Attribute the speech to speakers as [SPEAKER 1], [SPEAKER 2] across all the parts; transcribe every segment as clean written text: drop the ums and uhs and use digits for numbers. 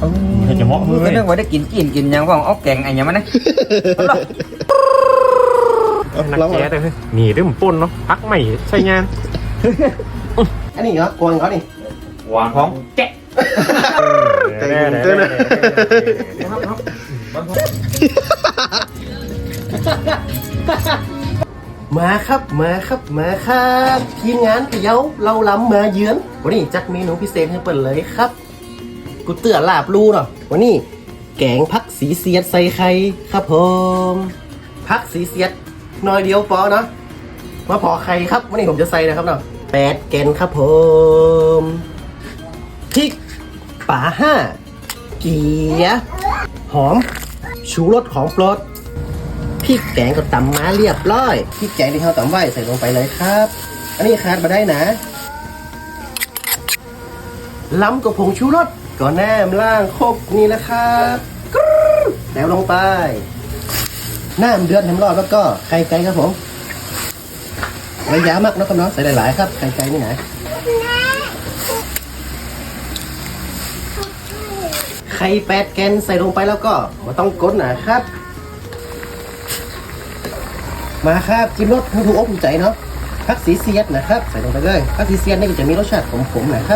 [SPEAKER 1] ให้จะเหมาะมือก็
[SPEAKER 2] เรื่องว่าได้กินยังว่าเอาแกงไอ้ยังมันนะ
[SPEAKER 1] นักแก่แต่หนีด้วยมันป่นเนาะพักใหม่ใช่งาน
[SPEAKER 3] อันนี้เหรอกวางเขานี่
[SPEAKER 2] หวานของแกะ
[SPEAKER 3] เต้นมาครับทีมงานพะเยาเราล้ำมาเยือนวันนี้จัดเมนูพิเศษให้เปิดเลยครับกูเตื่อลาบลูเนาะวันนี้แกงผักสีเสียดใส่ไข่ครับผมผักสีเสียดน้อยเดียวพอเนาะมาพอไข่ครับวันนี้ผมจะใส่นะครับเนาะ8 แกนครับผมพริกป่า5เกี๊ยหอมชูรสของโปรดพริกแกงก็ตำมาเรียบร้อยพริกแกงที่เขาตำไว้ใส่ลงไปเลยครับอันนี้ขาดมาได้นะล้ำกับผงชูรสก็แนมล่างครบนี่แหละครับแล้วลงไปน้ำเดือดน้ำร้อนแล้วก็ไข่ไก่ครับผมระยะมากนะครับน้องใส่หลายๆครับไข่ไก่นี่นะไข่8 แกนใส่ลงไปแล้วก็มาต้องกดนะครับมาครับจิ้มรสให้ถูกอกถูกใจเนาะผักสีเสียดนะครับใส่ลงไปเลยผักสีเสียดนี่ก็จะมีรสชาติขมๆนะครับ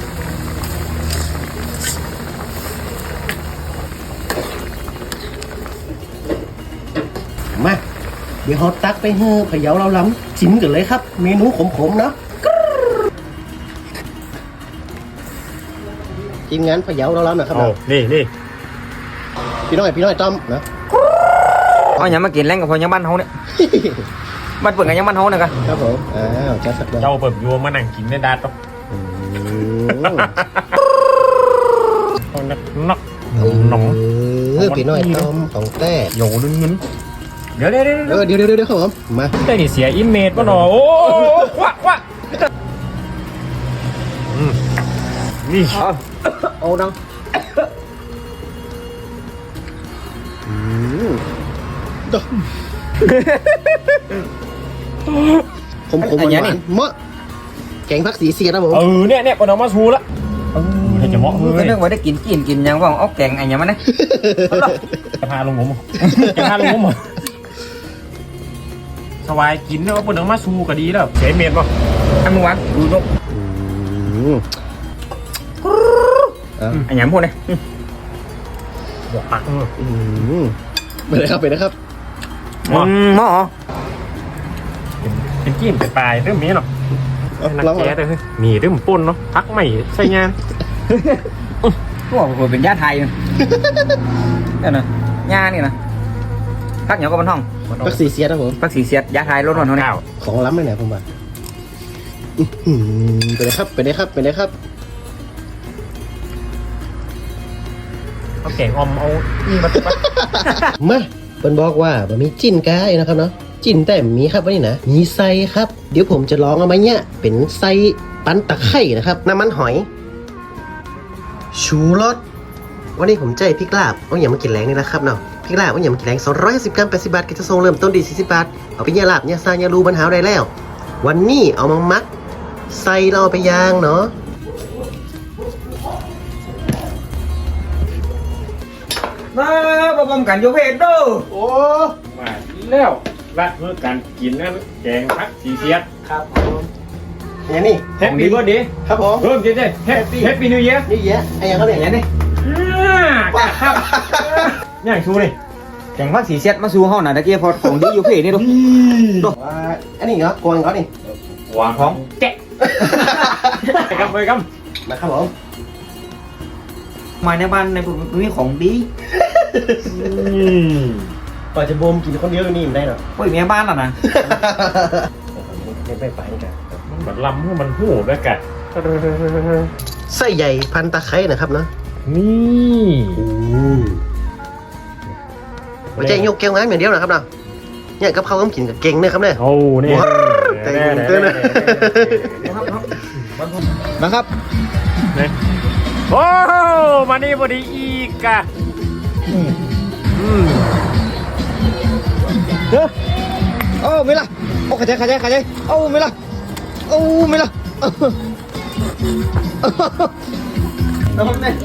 [SPEAKER 3] มาเดี๋ยวเราตักไปให้พะเยาเราล้ำจิ้มกันเลยครับเมนูขมๆเนาะทีมงานพะเยาเราล้ำนะครับ
[SPEAKER 1] นี่
[SPEAKER 3] พี่น้อยต้อมนะ
[SPEAKER 2] เอาอย่างมากินแรงกับพอยังบ้านเขาเนี่ยบ้านเปิดกันยังบ้านเขาเนี่ยกัน
[SPEAKER 3] ครับผมจัดสัก
[SPEAKER 1] เจ้าเปิดยัวมานั่งกินในดาต๊อกนักหนอง
[SPEAKER 3] พี่น้อยต้มของแต้
[SPEAKER 1] โยนเงิน
[SPEAKER 3] เดี๋ยวครับผมมา
[SPEAKER 1] ได้นี่เสียอิมเมจป่ะหนอโอ้วะนี่
[SPEAKER 2] โอ้ดัง
[SPEAKER 3] ผมหวานเมื่อแกงผักสีเสียนะผม
[SPEAKER 1] เนี่ยปนมาชูละให้จะเหมาะมือ
[SPEAKER 2] ก็เรื่องว่าได้กินยังว่าเอาแกงไอ้ยังมันนะ
[SPEAKER 1] จะพาลงผมสบายกินเนี่ยว่าปนมาชูก็ดีแล้วเสียเมตรป่ะ
[SPEAKER 2] ทำมึงวะดูนกไอ้ยังพูดเลย
[SPEAKER 1] บอกปัก
[SPEAKER 3] ไปเลยครับ
[SPEAKER 2] หม้อ
[SPEAKER 1] เป็นกิ้มเป็นปลายเรื่องนี้เนาะนักแก่แต่หนีด้วยมันป่นเนาะพักใหม่ใช่งาน
[SPEAKER 2] พวกคนเป็นญาติไทยนี่นะญานี่นะพักเหนียวกับบันท่อง
[SPEAKER 3] ผักสีเสียดนะผม
[SPEAKER 2] ผักสีเสียดญาติไทยรถนอนเท่านี้
[SPEAKER 3] ของล้ำเลยเนี่ยผมว่าไปเลยครับ
[SPEAKER 1] เอาแกงอมเอานี่มาตุ๊บ
[SPEAKER 3] มาเป็นบอกว่าบะมีจิ้นกายนะครับเนาะจิ้นแต่มีครับวันนี้นะมีไส้ครับเดี๋ยวผมจะลองเอามาเนี่ยเป็นไส้ปั้นตะไคร่นะครับน้ำมันหอยชูรสวันนี้ผมใจพริกลาบเอาอย่างมากินแรงนี่นะครับเนาะพริกลาบเอาอย่างมากินแรง250 กรัม80 บาทกิจะทรงเริ่มต้นดี40 บาทเอาไปเนี่ยลาบเนี่ยซาเนี่ยรูบันหาได้แล้ววันนี้เอามามักไส้เราไปย่างเนาะ
[SPEAKER 2] มาประกอบกันโยเพดดู
[SPEAKER 1] โอ้มาแล้วละเมื่อการกินนั่นแกงผักสีเสียด
[SPEAKER 3] ครับเนี่ยนี่
[SPEAKER 1] แฮปปี้เบิร์ดเดย์
[SPEAKER 3] ครับผม
[SPEAKER 1] เริ่มเจ๊แฮปปี้นิวเยียร์
[SPEAKER 3] ไอ้ยังเขาเนี่ย
[SPEAKER 2] นี่
[SPEAKER 1] ครับย่างชูเลย
[SPEAKER 2] แข่งพักสีเสียดมาสู้ห้องหน่อยตะเกียบพอของดีอยู่เพจนี่ดู
[SPEAKER 3] อันนี้เหรอกวางเขานี่
[SPEAKER 1] หวานของแกะไปครับ
[SPEAKER 3] นะครับผม
[SPEAKER 2] มาในบ้านในผมมีของดี
[SPEAKER 3] ก่อนจะบ่มกินคนเดียวนี่มันได้หรอ
[SPEAKER 2] โอ้ยเมียบ้านล่ะนะ
[SPEAKER 3] ไม่ไปกัน
[SPEAKER 1] มันแบบลำมันหูด้วยกัน
[SPEAKER 3] ไส้ใหญ่พันตะไคร้นะครับเนาะ
[SPEAKER 1] นี่
[SPEAKER 3] มันจะยกแก้วงานอย่างเดียวนะครับเนาะเนี่ยกับเขาต้องกินกับเก่งเนี่ยครับเนี่ย
[SPEAKER 1] โอ้เนี่ย
[SPEAKER 3] เต้นนะครับ
[SPEAKER 1] โอ้มานี่พอดีอีกอะ
[SPEAKER 3] โอ้ไม่ละโอ้ขยันโอ้ไม่ละน้องเนี่ย